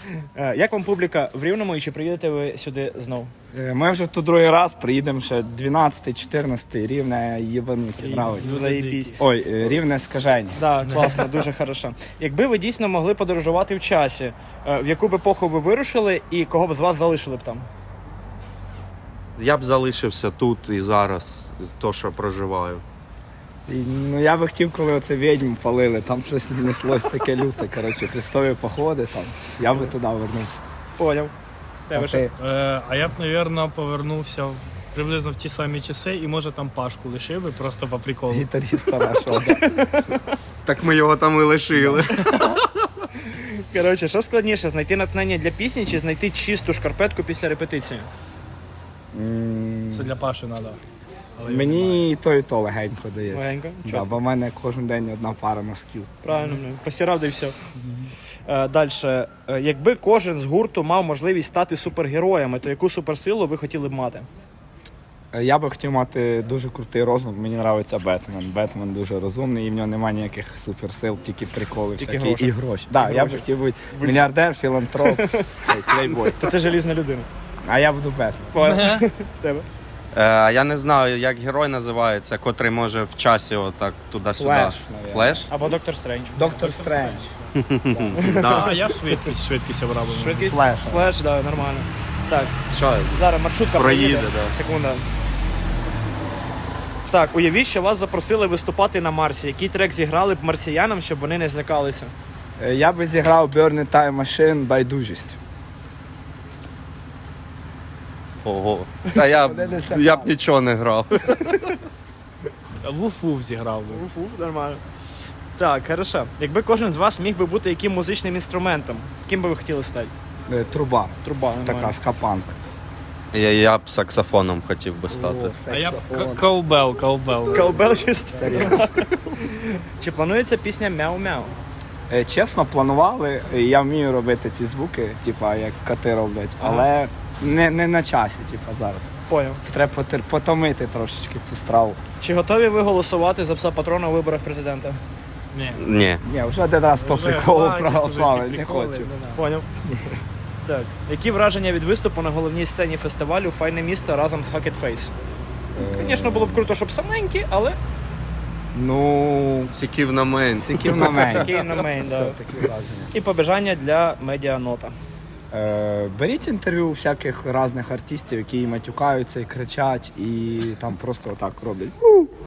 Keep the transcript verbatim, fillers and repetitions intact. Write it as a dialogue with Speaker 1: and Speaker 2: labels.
Speaker 1: Е, Як вам публіка в Рівному і чи приїдете ви сюди знов?
Speaker 2: Е, Ми вже тут другий раз приїдемо ще дванадцятий, чотирнадцятий, Рівне їбануті, нравиться.
Speaker 1: Заєбісь.
Speaker 2: Ой, е, Рівне скажені.
Speaker 1: Так, класно, дуже хорошо. Якби ви дійсно могли подорожувати в часі, е, в яку б епоху ви вирушили і кого б з вас залишили б там?
Speaker 3: Я б залишився тут і зараз, то, що проживаю.
Speaker 2: І, ну я би хотів, коли оце відьм палили, там щось неслось таке люте, коротше, хрестові походи там. Я би туди вернувся.
Speaker 1: Поняв.
Speaker 2: А
Speaker 1: Тебе що?
Speaker 2: ти?
Speaker 4: Е, а я б, мабуть, повернувся в, приблизно в ті самі часи і, може, там Пашку лишив би просто по приколу.
Speaker 2: Гітаріста нашого. Да.
Speaker 3: Так ми його там і лишили.
Speaker 1: Коротше, що складніше, знайти натхнення для пісні чи знайти чисту шкарпетку після репетиції?
Speaker 2: М,
Speaker 4: Це для Паші треба.
Speaker 2: Мені і то, і то легенько дається.
Speaker 1: Легенько?
Speaker 2: Да,
Speaker 1: Чітко.
Speaker 2: бо в мене кожен день одна пара носків.
Speaker 1: Правильно, ну, постирав, да і все. Е, Далі. Е, Якби кожен з гурту мав можливість стати супергероями, то яку суперсилу ви хотіли б мати?
Speaker 2: Е, Я би хотів мати дуже крутий розум, мені подобається Бетмен. Бетмен дуже розумний і в нього немає ніяких суперсил, тільки приколи
Speaker 1: Тільки
Speaker 2: всякі
Speaker 1: гроші.
Speaker 2: і гроші. Да,
Speaker 1: І
Speaker 2: я б
Speaker 1: гроші.
Speaker 2: хотів бути мільярдер, філантроп, цей, плейбой.
Speaker 1: То це желізна людина.
Speaker 2: А я буду Бетмен.
Speaker 1: Поняв? Тебе?
Speaker 3: Е, я не знаю, як герой називається, котрий може в часі отак туди-сюди.
Speaker 2: Флеш, навіть.
Speaker 3: Флеш?
Speaker 1: Або Доктор Стрендж.
Speaker 2: Доктор Стрендж.
Speaker 3: Да.
Speaker 4: А я швидкість, швидкість обрав. би.
Speaker 1: Швидкість?
Speaker 2: Флеш.
Speaker 1: Флеш, да, нормально. Так,
Speaker 3: Що?
Speaker 1: зараз маршрутка
Speaker 3: Проїде,
Speaker 1: проїде.
Speaker 3: да.
Speaker 1: Секунда. Так, уявіть, що вас запросили виступати на Марсі. Який трек зіграли б марсіянам, щоб вони не злякалися?
Speaker 2: Е, Я би зіграв Burn Time Machine байдужість.
Speaker 3: Ого. Та я,
Speaker 2: Вони не
Speaker 3: б-
Speaker 2: злякали.
Speaker 3: я б нічого не грав.
Speaker 4: Вуф-вуф зіграв би.
Speaker 1: Уф-уф, нормально. Так, хорошо. Якби кожен з вас міг би бути яким музичним інструментом, ким би ви хотіли стати?
Speaker 2: Е, Труба.
Speaker 1: Труба, нормально.
Speaker 2: Така скапанка.
Speaker 3: Я, я б саксофоном хотів би стати.
Speaker 2: О,
Speaker 4: А я б
Speaker 2: саксофон.
Speaker 4: к- колбел, колбел.
Speaker 1: Колбел чисто. Чи планується пісня «Мяу-мяу»?
Speaker 2: Е, Чесно, планували. Е, Я вмію робити ці звуки, типа як коти роблять, але не, не на часі, типа зараз.
Speaker 1: Поняв.
Speaker 2: Треба потер- потомити трошечки цю страву.
Speaker 1: Чи готові ви голосувати за пса патрона у виборах президента?
Speaker 4: Ні.
Speaker 3: Ні.
Speaker 2: Ні, вже один раз по
Speaker 4: Вже
Speaker 2: приколу
Speaker 4: хватить уже
Speaker 2: проголосували,
Speaker 4: ці
Speaker 2: не
Speaker 4: приколи,
Speaker 2: хочу.
Speaker 4: не надо.
Speaker 1: Поняв. Так. Які враження від виступу на головній сцені фестивалю «Файне місто» разом з Hackett Face? Звісно, було б круто, щоб саменькі, але
Speaker 2: Ну,
Speaker 3: Сіків на мейн.
Speaker 2: сиків на мене.
Speaker 1: Сиків на мейн, да.
Speaker 2: Все, такі враження.
Speaker 1: і побажання для медіанота.
Speaker 2: Е, Беріть інтерв'ю у всяких різних артистів, які і матюкаються, і кричать, і там просто отак роблять. «У,